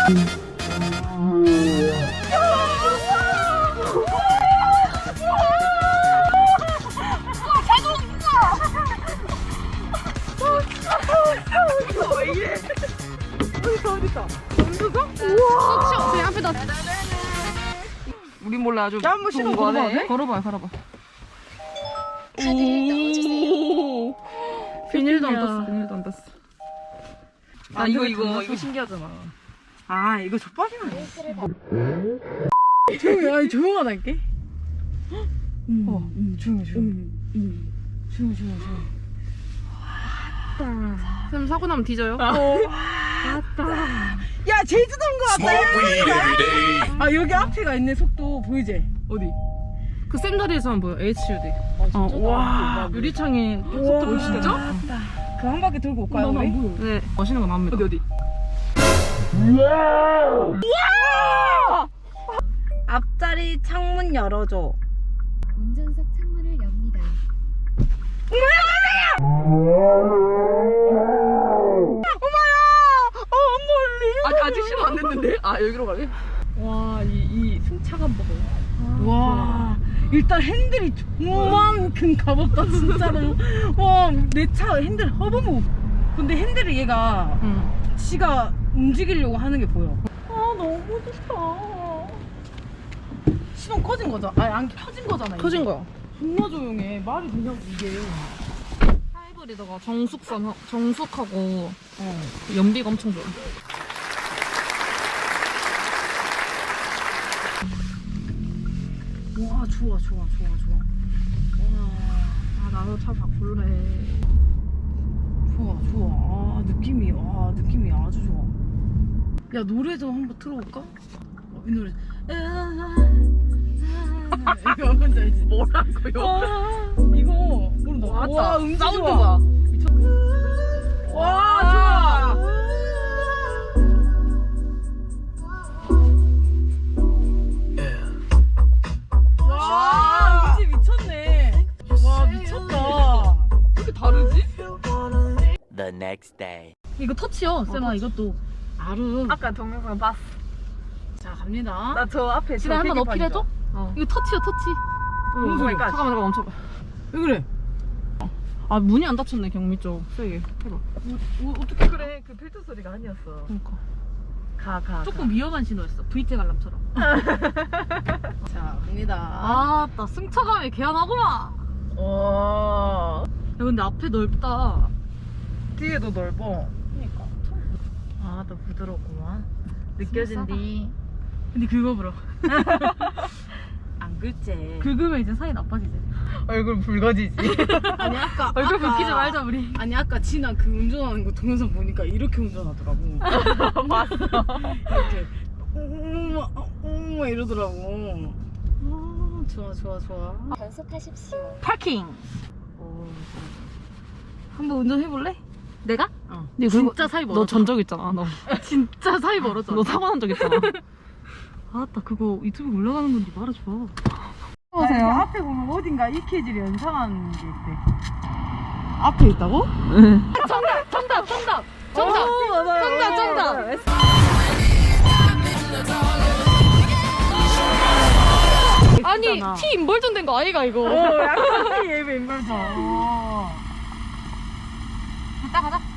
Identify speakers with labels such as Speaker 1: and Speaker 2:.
Speaker 1: 우리 몰래 아주
Speaker 2: 야, 한번 신어 걸어봐도
Speaker 1: 걸어봐요, 걸어봐.
Speaker 3: 오.
Speaker 1: 비닐도 안 떴어, 비닐도 안 떴어. 아, 이거 신기하잖아.
Speaker 2: 아, 이거 족밥이면 조용히, 아니 조용하다니까. 조용히.
Speaker 1: 쌤 사고 나면 뒤져요?
Speaker 2: 야, 제주도인 거 같다. 아, 여기 앞에가 있네. 속도 보이지?
Speaker 1: 어디? 그 쌤 자리에서만 보여, HUD.
Speaker 2: 와.
Speaker 1: 유리창에 속도 보이 진짜?
Speaker 2: 그 한 바퀴 돌고 올까요, 우리?
Speaker 1: 네, 멋있는 거 나옵니다. 어디?
Speaker 2: 앞자리 창문 열어줘.
Speaker 3: 운전석 창문을 엽니다.
Speaker 1: 아직 신호 안 됐는데? 아, 여기로 가래?
Speaker 2: 와, 이 승차감 봐봐. 와, 일단 핸들이 조만큼 가볍다, 진짜로. 와, 내 차 핸들 허브무. 근데 핸들을 얘가 지가 움직이려고 하는 게 보여. 아, 너무 좋다. 시동 꺼진 거잖아. 아니, 안 켜진 거잖아.
Speaker 1: 터진
Speaker 2: 이게.
Speaker 1: 거야.
Speaker 2: 존나 조용해. 말이 되냐고, 이게.
Speaker 1: 하이브리드가 정숙하고 연비가 엄청 좋아.
Speaker 2: 와, 좋아.
Speaker 1: 아, 나도 차 바꿀래.
Speaker 2: 좋아. 느낌이 아주 좋아. 야, 노래도 한번 틀어볼까? 이 노래. 이거 뭔지 알지?
Speaker 1: 뭐라고요?
Speaker 2: 이거 모른다. 와, 음질
Speaker 1: 사운드
Speaker 2: 좋아.
Speaker 1: 봐.
Speaker 2: 와, 좋아. 와, 음질 미쳤네. 와, 미쳤다.
Speaker 1: 왜 이렇게 다르지?
Speaker 4: The next day.
Speaker 2: 이거 터치요, 쌤아. 이것도 아름.
Speaker 1: 아까 동영상 봤어.
Speaker 2: 자, 갑니다.
Speaker 1: 나 저 앞에
Speaker 2: 집에 한번 넣기로 해줘? 이거 터치요, 터치.
Speaker 1: 무슨 소리야? 잠깐만 멈춰봐.
Speaker 2: 왜 그래?
Speaker 1: 아, 문이 안 닫혔네, 경미 쪽. 세게 해봐.
Speaker 2: 어떻게 그래?
Speaker 1: 그래, 그 필터 소리가 아니었어.
Speaker 2: 그러니까.
Speaker 1: 가.
Speaker 2: 조금 위험한 신호였어. VT 관람처럼. 자, 갑니다.
Speaker 1: 아, 나 승차감이 개안하구만.
Speaker 2: 와.
Speaker 1: 야, 근데 앞에 넓다.
Speaker 2: 뒤에도 넓어.
Speaker 1: 그니까.
Speaker 2: 아, 또 부드럽구만. 느껴진디.
Speaker 1: 근데 긁어보라.
Speaker 2: 안 긁지.
Speaker 1: 긁으면 이제 사이 나빠지지.
Speaker 2: 얼굴 붉어지지. 아니, 아까.
Speaker 1: 얼굴 붉히지 말자, 우리.
Speaker 2: 아니, 아까 진아 그 운전하는 거 동영상 보니까 이렇게 운전하더라고.
Speaker 1: 맞어.
Speaker 2: 이렇게. 이러더라고. 아, 좋아.
Speaker 3: 단속하십시오.
Speaker 1: 파킹.
Speaker 2: 오,
Speaker 1: 한번 운전해볼래? 내가?
Speaker 2: 어.
Speaker 1: 근데
Speaker 2: 진짜 사이 멀었다.
Speaker 1: 너 전적 있잖아, 너.
Speaker 2: 진짜 사이 멀었잖아.
Speaker 1: 너 사고 난 적 있잖아. 아따, 그거 유튜브 올라가는 건지 말아줘.
Speaker 2: 보세요. 앞에 보면 어딘가 EKG를 연상하는 게 있대. 앞에 있다고?
Speaker 1: 정답! 아니, 티 인벌전 된 거 아이가, 이거?
Speaker 2: 약간 예배 인물자.
Speaker 1: 가자.